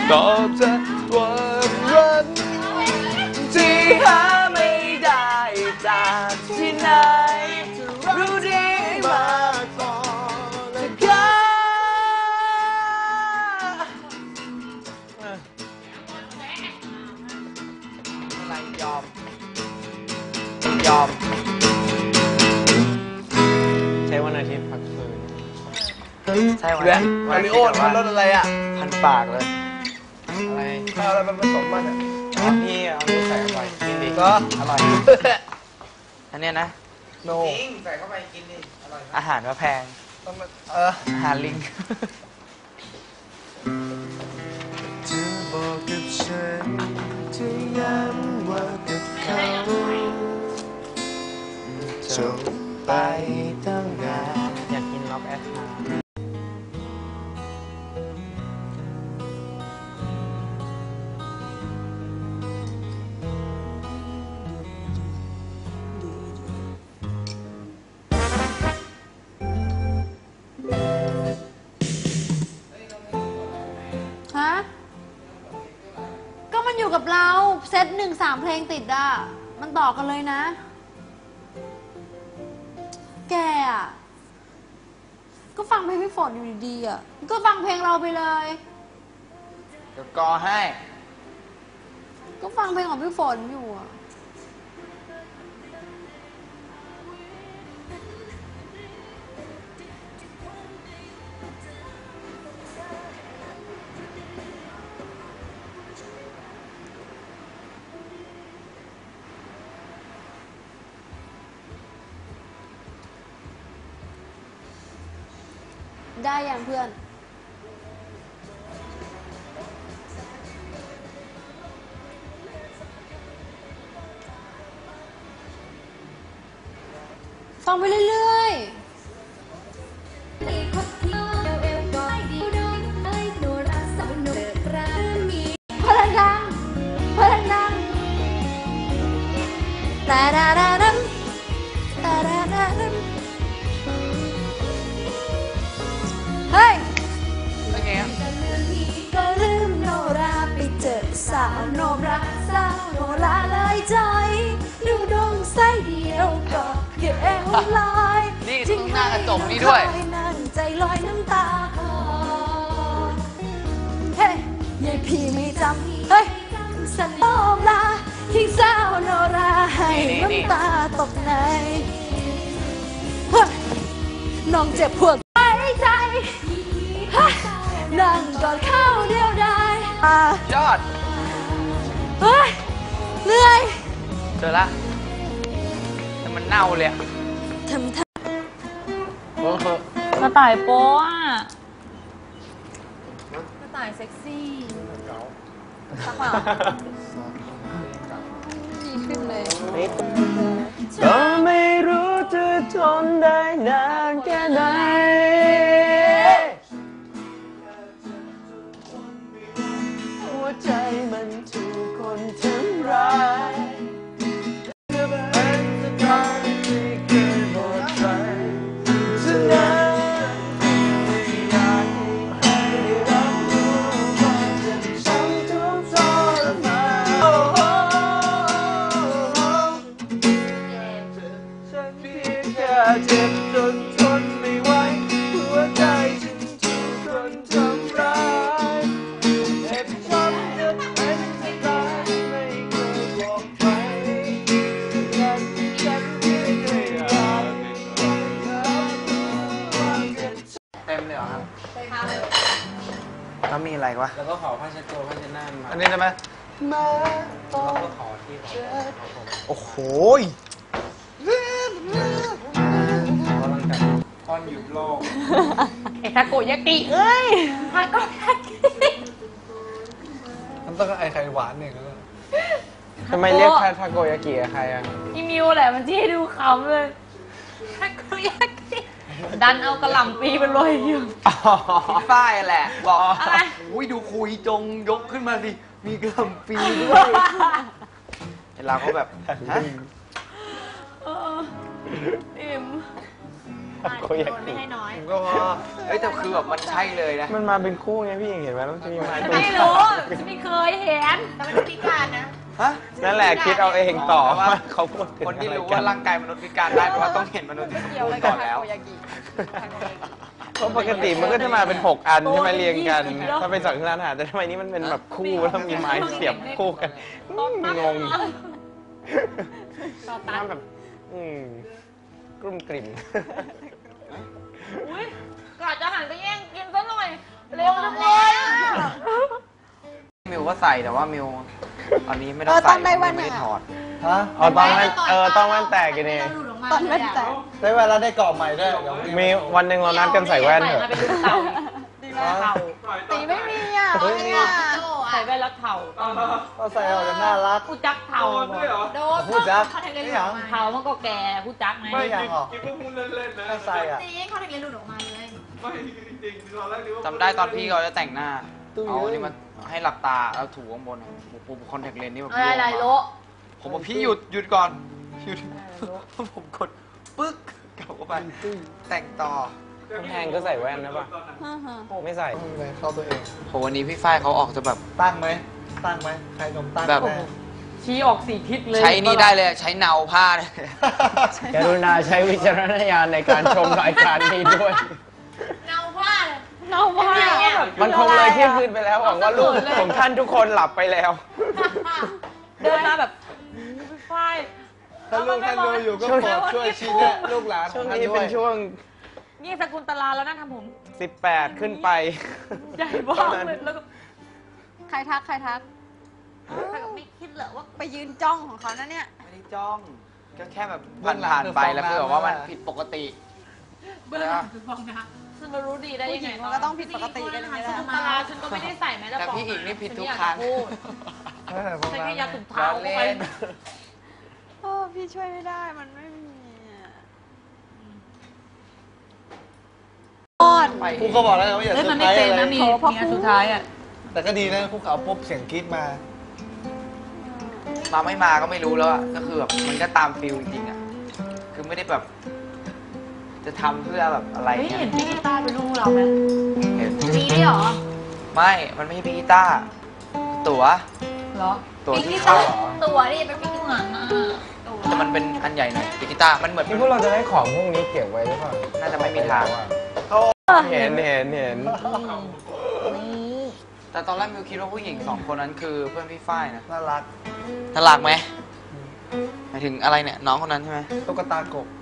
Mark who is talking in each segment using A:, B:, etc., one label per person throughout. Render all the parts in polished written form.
A: ตอบแทนความรักที่หาไม่ได้จากที่ไหนรู้ดีมากพอแล้วกันอะไรยอมใช้วันอาทิตย์พักฟื้นใช่วันอาทิตย์มาริโอมันรสอะไรอ่ะพันปากเลยอะไรเอาอะไรมันผสมมันอ่ะพี่เอาลูกใส่เข้าไปกินดิก็อร่อยอันเนี้ยนะโนจริงใส่เข้าไปกินดิอร่อยอาหารก็แพงต้องอาหารลิงเธอบอกกับฉันเธอย้ำว่ากับเขาจบไปตั้งนานอยากกินล็อกแอสมา
B: ฮะก็มันอยู่กับเราเซต1 3 เพลงติดอ่ะมันต่อกันเลยนะแกอ่ะก็ฟังเพลงพี่ฝนอยู่ดีๆอ่ะก็ฟังเพลงเราไปเลย
A: เดี๋ยวกอให้
B: ก็ฟังเพลงของพี่ฝนอยู่อ่ะได้ยังเพื่อนฟังไปเรื่อยๆพลังดังแต่ดาดาดัมแต่ดาดาดัมเฮ้ย
A: เป็นไงอ่ะ
B: ก็ลืมโนราไปเจอสาวโนราสาวโนราเลยใจดูดวงใสเดียวก็เก็บลอย
A: นี่ถึงหน้ากระจกนี่ด้วย
B: นั่งใจลอยน้ำตาเฮ้ยยายพี่ไม่จำเฮ้ยสันโนราทิ้งสาวโนราให้น้ำตาตกในเฮ้ยน้องเจ็บปวดใจนั่งกอดเข้าเดียวได้
A: ยอด
B: เฮ้ยเหนื่อย
A: เจอละแต่มันเน่าเลยอะ
B: ทำ
C: กระต่ายโป๊ะกระต่ายเซ็กซี่สักเปล่าดีขึ้นเลย
A: ก็ไม่รู้จะทนได้นานแค่ไหนหัวใจมันถูกคนทำร้ายเป็นสถานที่เคยหมดใจฉะนั้นไม่อยากให้ใครได้รับรู้ว่าจะช้ำทุกข์ทรมานฉันเพียงแค่เจ็บจนทนไม่ไหวหัวใจฉันถูกคนทำร้ายเจ็บช้ำจะเป็นจะตายไม่เคยบอกใครและฉันเพียงแค่อยากเต็มเลยเหรอครับแล้วมีอะไรวะ
D: แล้วก็ขอผ้าเช็ดตัวผ้าเช็ดหน้ามา
A: อันนี้ได้ไหม
D: แล้วก็ขอที่ของ
A: โอ้โห
D: กำลังใจค่อนหยุดโลก
C: ไอ้ทาโกยากิเอ้ยทาโกยากิ
A: มันต้องไอไข่หวานเนี่ยแล้วทำไมเรียกทาโกยากิใครอ่ะ
C: อีมิวแหละมันที่ให้ดูขำเลยทาโกยากิดันเอากระหล่ำปีไปโรยอยู่
A: ป้ายแหละบอก
C: อะไร
A: อุ้ยดูคุยจงยกขึ้นมาสิมีกระหล่ำปีด้วยเราก็แบบฮะ
C: อิ่ม
A: โคยา
C: ไม่
A: กิ
C: ให้น้อย
D: ผมก็พอ
A: เฮ้ยแต่คือแบบมันใช่เลยนะ
E: มันมาเป็นคู่ไงพี่เห็นไหมแล้วมันจะมีไม้ตรง
C: ไม่รู้ฉันไม่เคยเห็นแต่มันพิการนะ
A: ฮะ
E: นั่นแหละคิดเอาเองต่อว่าเขาพูดถึง
A: คนที่รู้
E: อะ
A: ว่า
E: ไกั
A: ร่างกายมนุษย์พิการได้เพราะว่าต้องเห็นมนุษย์ที่สมบูรณ์ก่อนแล้ว
E: เพราะปกติมันก็จะมาเป็น 6 อันใช่ไหมเรียงกัน ถ้าเป็นสังขารอาหารแต่ทำไมนี่มันเป็นแบบคู่แล้วมีไม้เสียบคู่กันงง
C: ต่อตั
E: มัน นแบบกลุ่มกลิ่ม
C: อุ้ยกะจะหันไปแย่งกินซะหน่อย เร็วจังเลยอะ
A: มิวก็ใส่แต่ว่ามิวตอนนี้ไม่ต้อง
B: ต
A: ใส่
B: อนได้วัน
A: ไม่ได้ถอด
D: ฮะ
E: เอาตอนแว่นต้องแว่นแตกกันเอง
B: ตอนแว่นแตก
D: ได้เวลาได้กรอบใหม่ด้วยเดี๋ยว
E: มีวันหนึ่งเรานัดกันใส่แว่นเถอะ
C: ใส่มาเป็นลูกเต่าเต่า
B: ตีไม่มีอ่ะ
D: เฮ้ยนี่
C: ใส่แว่นแล้วเต่า
D: ก็ใส่ออกจะน่ารัก
C: ผู้จักเต่า
B: โดน
D: พูดจัก
B: เขาแทงเลน
D: นี่
B: ห
D: ห
B: ลุ
D: ยั
B: ด
D: ง
B: ออกมา
C: เต่ามันก็แก่ผู้จักไง
D: ไม่อย่างหรอถ้าใส่อ่ะ
B: ตีเขาแทงเลนหลุดออกมาเลย
A: จำได้ตอนพี่เขาจะแต่งหน้า
D: ตู้
A: เอา
D: เยอะ
A: นี่มันให้หลับตาแล้วถูข้างบนผมคอนแทคเลนส์นี่แบบ
C: อะไรโล
A: ผมบอกพี่หยุดก่อนหยุดผมกดปึ๊กกลับเข้าไปแต่งต่อ
E: คุณแทงก็ใส่แว่นนะป่ะไม่ใส่
D: เข้าตัวเอง
A: โหวันนี้พี่ฝ้ายเขาออกจะแบบ
D: ตั้งไหมตั้งไหมใครนมตั้ง
A: แบบ
D: แน่
C: ชี้ออกสี่ทิศเลย
A: ใช้นี่ได้เลยใช้เนาผ้าเลย
E: กรุณาใช้วิจารณญาณในการชมรายการนี้ด้วย
B: เงาว่าเลย
C: เน่าว่าแบบ
E: มันคงเลยเที่ยงคืนไปแล้วหวังว่าลูกของท่านทุกคนหลับไปแล้ว
C: เดินมาแบบพี่ฝ้าย
D: ถ้าลูกท่านดูอยู่ก็โปรดช่วยชี้แนะลูกหลานข
E: ช่
D: อ
E: ว
D: ง
E: ง
D: ท่าน
E: นี้
D: ด้ว
E: เป็น
D: ย
E: ช่วง
C: นี่สกุลตลาแล้วนะทำผม
E: 18 ขึ้นไป
C: ใหญ่บ้ากเลยแล้วก็
B: ใครทัก
C: ไม่คิดเหรอว่า
B: ไปยืนจ้องของเขานะเนี่ย
A: ไม่ได้จ้องก็แค่แบบผ่านไปแล้วคือแบบว่ามันผิดปกติ
C: เบื้องหลังคือฟองน้ำฉันมารู้ดีได้ยังไง
B: ผู้หญิงมันก็ต้องผิดปกติกันอย่างนี้แหละ
C: สกุลตลาฉันก็ไม่ได้ใส่แม้แต่
A: แต่
C: ฟอง
A: พี่อีกนี่ผิดทุก
C: ฉั
A: ครั้ง
C: อยาจะพูดฉันแค่อยากถุงเท้า
A: เล่
C: เข้าไป
A: น
B: โอ้พี่ช่วยไม่ได้มันไม่มีอ่อน
A: ไป
D: ครูก็บอกแล้วว่าอย่า
C: เฮ้ย
D: เซอ
C: มัน
D: ร์ไพ
C: ไม่
D: รส์
C: เป็น
D: อะไร
C: นะมีอันสุดท้ายอ่ะ
D: แต่ก็ดีนะครูเขาปุ๊บเสียงกรี๊ดมา
A: มาไม่มาก็ไม่รู้แล้วอะก็คือแบบมันก็ตามฟิลจริงๆอะคือไม่ได้แบบ จะทำเพื่อแบบอะไร
C: เฮ้ย
A: เงี้
C: เห็
A: ย
C: นพี่กีตาร์เป็นลูกเราไหม
A: เห็น
C: มีด้วยเหรอ
A: ไม่ มันไม่ใช่พี่กีตาร์ตั๋ว
C: เหรอ
A: ตั๋วที่เข้าอะ
B: ตัวนี่เป็นพี่เหมือนนะ
A: แต่มันเป็นอันใหญ่หน่อยพี่กีตาร์มันเหมือน
E: นี่พวกเราจะได้ของพวกนี้เก็บไว้หรือเปล่า
A: น่าจะไม่มีทาง
E: เห็น
A: แต่ตอนแรกมิวคิดว่าผู้หญิง2 คนนั้นคือเพื่อนพี่ฝ้ายนะ
D: น่ารัก
A: น่ารักไหมหมายถึงอะไรเนี่ยน้องคนนั้นใช่ไหม
D: ตุ๊กตากบ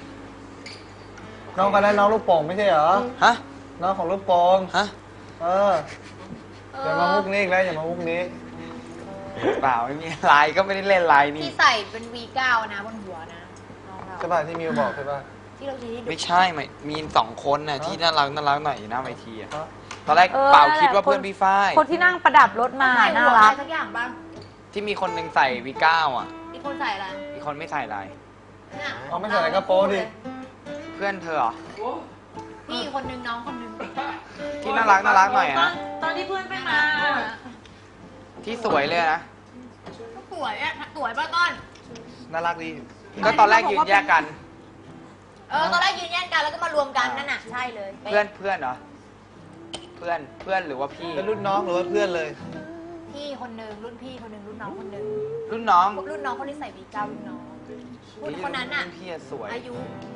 D: น้องคนนั้นน้องลูกโป่งไม่ใช่เหรอ
A: ฮะ
D: น้องของลูกโป่ง
A: ฮะ
D: อย่ามามุกนี้อีกแล้วอย่ามามุกนี้
A: เปล่าไม่มีไลน์ก็ไม่ได้เล่นไลน์นี่
B: ที่ใส่เป็น V9 นะบนหัวนะน้องเรา
D: ใช่ป่ะที่มิวบอกใช่ป่ะ
B: ที่เราชี้ให้ดู
A: ไม่ใช่ไม่มี2 คนน่ะที่น่ารักหน่อยอยู่หน้าเวทีอะ
D: ฮะ
A: ตอนแรกเปล่าคิดว่าเพื่อนพี่ฝ้าย
C: คนที่นั่งประดับรถมา
B: ใส่
C: น่า
B: หัว
C: รั
B: อะ
C: ก
B: ไรสักอย่างบ้าง
A: ที่มีคนหนึงใส่วีก้าอ่ะ
B: อีกคนใส่อะไร
A: อีกคนไม่ใส่ลาย
B: เนี่ย
D: เอาไม่ใส่อะไรก็โป๊ดิ
A: เพื่อนเธอเหรอ
B: พี่อีกคนนึงน้องคนนึง
A: ที่น่ารักหน่อยอะนะ
C: ตอนที่เพื่อนไม่มา
A: ที่สวยเลยนะ
B: สวยอ่ะสวยป่ะก้อน
D: น่ารักดี
A: ก็ตอนแรกยืนแยกกัน
B: ตอนแรกยืนแย่งกันแล้วก็มารวมกันนั่นน่ะใช่เลย
A: เพื่อนเหรอเพื่อนหรือว่าพี่
D: เป็นรุ่นน้องหรือว่าเพื่อนเลย
B: พี่คนนึงรุ่นพี่คนนึงรุ่นน้องคนนึง
A: รุ่นน้อง
B: รุ่นน้องคนที่ใส่วีก้ารุ่นน้องคนนั้นน่ะ
A: รุ่พี่อะสวย
B: อายุ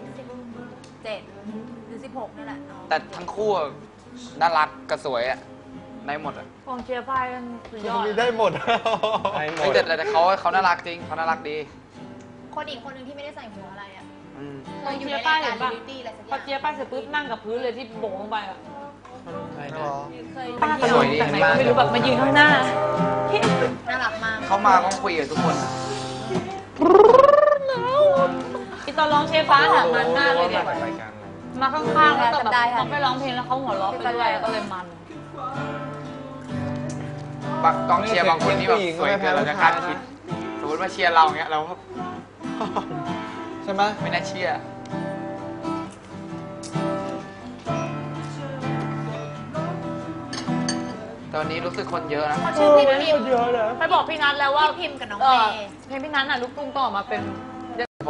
B: 17หรือ16นี่แหละน้อง
A: แต่ทั้งคู่อะน่ารักกับสวยอะได้หมดอะ
C: กองเชียร์พายกันสุดยอด
D: มีได้หมด
E: ได้หม
A: เฮ้ย
E: ด
A: แต่เขาน่ารักจริงเขาน่ารักดี
B: คนอีกคนนึงที่ไม่ได้ใส่หัวอะไรอ่ะ
A: อืม
C: กองเชียร์ป้ายเห็นปะ
B: บิวตี้อะไรสักอ
C: พอย่าง เชียร์ป้ายเสร็จปุ๊บนั่งกับพื้นเลยที่โบกลงไปอ่ะ
B: เคย
C: ป้าสวยจากไหนก็ไม่รู้แบบมายืนข้างหน้า
B: น่ารักมาก
A: เขามาก็คุยกับทุกคนอะ
C: อีตอนร้องเชฟฟ้าถามมันหน้าเลยเนี่ย
E: รายการอะไร
C: มาข้างๆแล้วแต่แบบเขาไปร้องเพลงแล้วเขาหัวเราะไปด้วยก็เลยมัน
A: บางกองเชียร์บางคนนี่แบบสวยเกินเราจะคาดคิดสมมติว่าเชียร์เราเงี้ยเราก็
D: ใช่ไหม
A: ไม่น่าเชื่อ ตอนนี้รู้สึกคนเยอะนะ
B: เขาชื่อพี่พิมพ์
C: ไปบอกพี่นัทแล้วว่า
B: พี่พิมพ์กับน้อง
C: เอ
B: เม
C: อ
B: ย์
C: เพลงพี่นัทน่ะลูกตุ้งต้องออกมาเป็น
A: ผ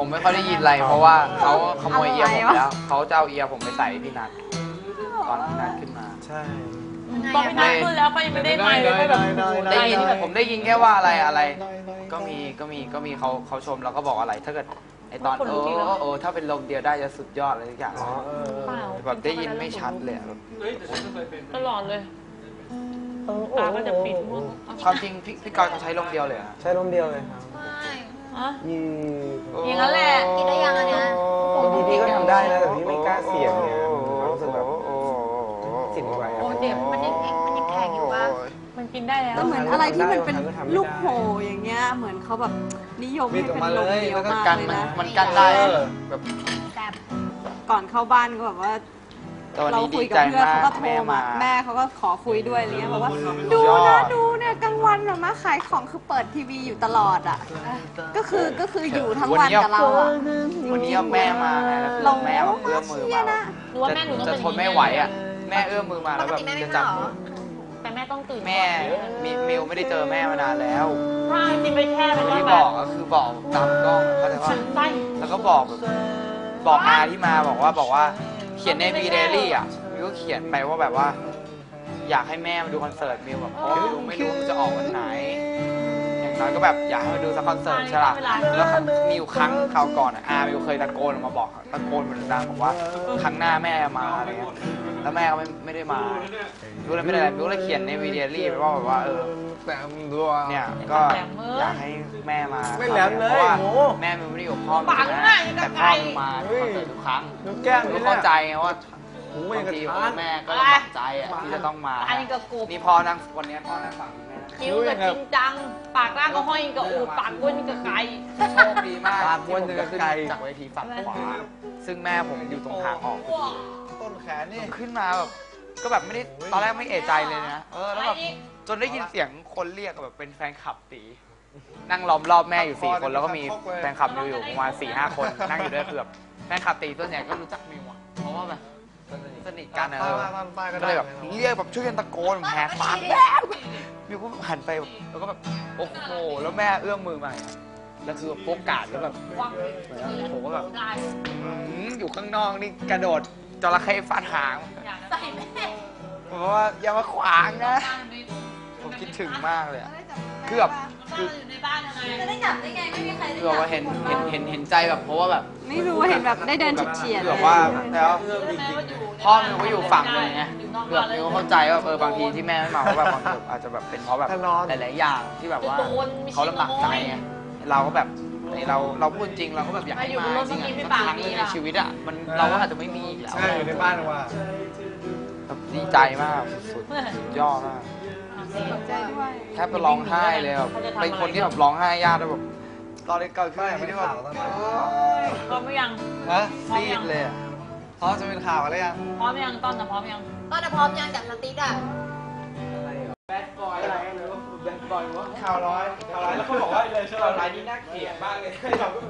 A: ผมไม่ค่อยได้ยินอะไรเพราะว่าเขาขโมยเอียร์ผมไปแล้วเขาจะเอาเอียร์ผมไปใส่พี่นัทตอนพี่นัทขึ้นมา
E: ใช่
C: ตอนพี่นัทขึ้นแล้วเขายังไม่ได้ไมค์เลยก็แบบ
A: ได้ยินผมได้ยินแค่ว่าอะไร ก็มีเขาชมแล้วก็บอกอะไร ถ้าเกิดไอตอนถ้าเป็นลมเดียวได้จะสุดยอดเลยทุกอย่าง
C: เปล่า
A: แบบได้ยินไม่ชัดเลยอะ
C: ตลอดเลยตาก็จะปิดมือ
A: ความจริงพี่กอยเขาใช้ลมเดียวเลยอะ
E: ใช้ลมเดียวเลยครับ
C: ฮะ
E: ยืด
C: อย่างนั้นแหละ
B: กินได้ยังอันเนี้ย
E: บางทีพี่ก็ทำได้นะแต่พี่ไม่กล้าเสี่ยงเนี่ยรู้สึกแบบจิตไว
C: โอ้เจ็บ
B: มันยังแข็งอยู่ปะ
C: มันกินได้แล้ว
B: แต่เหมือนอะไรที่มันเป็นลูกโหอย่างเงี้ยเหมือนเขาแบบนิยมให้เป็นลมเดียวมาก
A: กัน
B: เลยนะ
A: มันกันได้แบบ
B: ก่อนเข้าบ้านก็แบบว่า
A: ตอน
B: เรา
A: นี้
B: คุ
A: ดี
B: ยกับ
A: ใจ
B: เพื่อน
A: มา
B: เขา
A: ก
B: ก็โทร
A: แม่
B: มา
A: มา
B: แม่เขาก็ขอคุยด้วยอะไรเงี้ยบอกว่า
A: สุด
B: ดู
A: ยอ
B: นะ
A: ด
B: ดูเนี่ยกลางวันแบบมาขายของคือเปิดทีวีอยู่ตลอดอ่ะก็คืออยู่ทั้งวันกับเราอ่ะ
A: วันนี้แม่มาไงแล้วคือแม่แบบเอื้อมมือมา
C: หนูว่าแม่หนูต้อง
A: จะ
C: เป็น
A: ทนไม่ไหวอ่ะแม่เอื้อมมือมาแล้วแบบจะจับมือ
C: แต่แม่ต้องตื่น
A: แม่มิวไม่ได้เจอแม่มานานแล้ว
C: ใช่กินไปแค่เป็น
A: ที่
C: แบบ
A: บอกก็คือบอกตามกล้องเข้าใจว่า
C: ไส้
A: แล้วก็บอกแบบบอกอาที่มาบอกว่าเขียนในวีเดลี่อ่ะมิวก็เขียนไปว่าแบบว่า อยากให้แม่มาดูคอนเสิร์ตมิวแบบเพราะมิวไม่รู้มันจะออกวันไหนอย่างน้อยก็แบบอยากให้มาดูสักคอนเสิร์ตใช่ล่ะแล้วมีอยู่ครั้งคราวก่อนอ่ะมิวเคยตะโกนออกมาบอกตะโกนเหมือนดังบอกว่าครั้งหน้าแม่มาอะไรเงี้ยแล้วแม่ก็ไม่ได้มามิวเลยไม่ได้อะไรมิวเลยเขียนในวีเดลี่ไปว่าแบบว่า
E: แต่ตัว
A: เนี่ยก็อยากให้แม่มา
E: ไม่แหลมเลย
A: เพราะว่า
E: โอ้
A: แม่มิวไม่ได้อยู่กับพ่อมิว
C: ปัง
A: นะ
C: ง่าย
A: แต่
C: กับ
A: พ่อ
C: ไก่
A: มิวมาคอนเสิร์ตทุกครั้ง
E: ลูกแก้ม
A: มิ
E: นี่
A: ว
E: แห
A: เข้า
E: ละ
A: ใจไงว่า
E: หูไม่
A: บาง
E: กระ
A: ที
E: ทาน
A: แม่ก็ลำบากใจอ่ะที่จะต้องมา
C: อันนี้ก็กบ
A: นี่พ่อนั่งวันนี้พ่อนั่งฝั่งแม่
C: คิ้วก็จริงจัง ปากร่างก็ห้อยกับอูดปากก้นกับไก่
A: โชคดีมาก
E: ปากวน
A: ที่
E: จะ
A: ผม
E: ไกล
A: ขึ้นจากเวทีฝั่งขวาซึ่งแม่ผมอยู่ตรงทางออก
E: ต้นแขนนี่
A: ขึ้นมาแบบก็แบบไม่ได้ตอนแรกไม่เอะใจเลยนะแล้วแบบจนได้ยินเสียงคนเรียกแบบเป็นแฟนคลับตีนั่งล้อมรอบแม่อยู่4 คนแล้วก็มีแฟนคลับมิวอยู่ประมาณ4-5 คนนั่งอยู่ด้วยคือแบบแฟนคลับตีส่วนใหญ่ก็รู้จักมิวอ่ะเพราะว่าแบบสนิทกันนะก็เลยแบบเรียกแบบช่วยกันตะโกนแหกปากมิวก็หันไปแบบแล้วก็แบบโอ้โหแล้วแม่เอื้อมมือมาแล้วคือโฟกัสแล้วแบบผมก็แบบอยู่ข้างนอกนี่กระโดดจระเข้ฟาดหาง
C: ใส่แม่
A: เพราะว่าอย่ามาขวางนะ ผมคิดถึงมากเลยอะคือแบบคือ
C: อยู่ในบ้านยังไง
B: จะได้จับได้ไงไม่มีใครได้
A: คือแบบว่าเห็นใจแบบเพราะว่าแบบ
B: ไม่รู้เห็นแบบได้เดินเฉียด
A: คือแบบว่าแล้ว
C: แม่ก็อยู่
A: พ่อมิวก็อยู่ฝั่งหนึงไงคือแบบมิวก็เข้าใจว่าบางทีที่แม่ไม่มาเพราะแบบบางทีอาจจะแบบเป็นเพราะแบบหลายๆอย่างที่แบบว่าเขาลำบากใจไงเราก็แบบเราพูดจริงเราก็แบบอยากให้มาจริงๆสักครั้งหนึงในชีวิตอ่ะมันเราก็อาจจะไม่มีอีกแล้ว
E: ใช่อยู่ในบ้านว่า
A: แบบดีใจมากสุดๆยอดมาก
B: ใจด้วย
A: แทบจะร้องไห้เลยแบบเป็นคนที่แบบร้องไห้ยากแล้วแบบตอนเด็กเกิดขึ้นที่แบบ
C: พร้อมหรือยัง
E: ฮะซีดเลยอ่ะพร้อมจะเป็นข่าวอะไรยัง
C: พร้อมยังต้นนะพร้อมยัง
B: ก็จะพร้อมยังจับสติ๊กอ่ะ
D: แบดบอยอะไรเลยว่าแบดบอยว่าข่าวร้อยแล้วเขาบอกว่าข่าวร้ายนี่น่าเกลียดมากเลยเราก็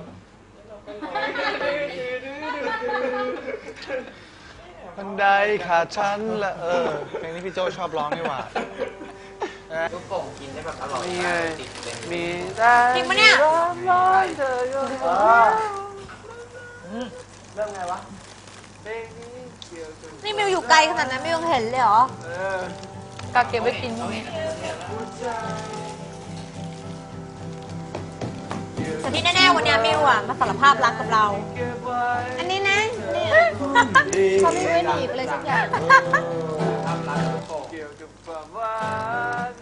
E: บันไดขาดชั้นละเพลงนี้พี่โจชอบร้องนี่หว่า
A: ลูกโป่งกินได้แบบอร่อย
E: นี่ไง
A: ติดเลย
E: มี
B: จริงปะเนี่ย
A: เริ่มไงวะ
B: นี่มิวอยู่ไกลขนาดนั้นมิวยังเห็นเลยเหรอ
C: กะเก็บไว้กินพรุ่งนี้
B: แต่ที่แน่ๆวันนี้มิวอ่ะมาสารภาพรักกับเรา อันนี้นะเนี่ยเขาไม่ไว้หนีบเลยสักอย่าง
E: เกี่ยวกับความหวาน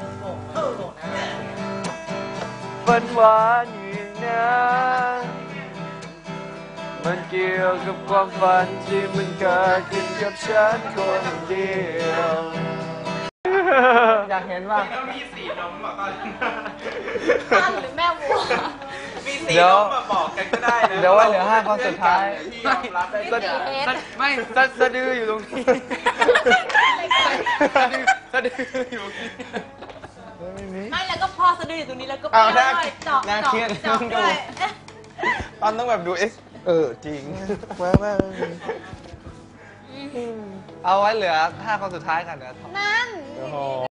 E: ฝันหวานอยู่นะมันเกี่ยวกับความฝันที่มันเกิดขึ้นกับฉันคนเดียวอยากเห็นว่า
D: ต้องมีสีนมแบบตอน
B: ตั้นหรือแม่วัว
D: มีสีนมมาบอกกันก็ได้นะ
E: เดี๋ยวว่าเหลือ5 คนสุดท้าย
D: ที่ยอมรับได้ทุกอย่าง
A: ไม่สะดืออยู่ตรงนี้สะดืออยู่ตรงนี้
C: ไม่แล้วก็พอสะดืออยู่ตรงนี้แล้วก็
E: เอา
C: เปรี้
E: น่า
C: ยวด้วยเจาะ
E: น่าเครียด
C: เจาะด้วย
E: ตอนต้องแบบดูจริงแม่เอาไว้เหลือ5 คนสุดท้ายกันเดี๋ยว
B: นั่น
E: โอ้โห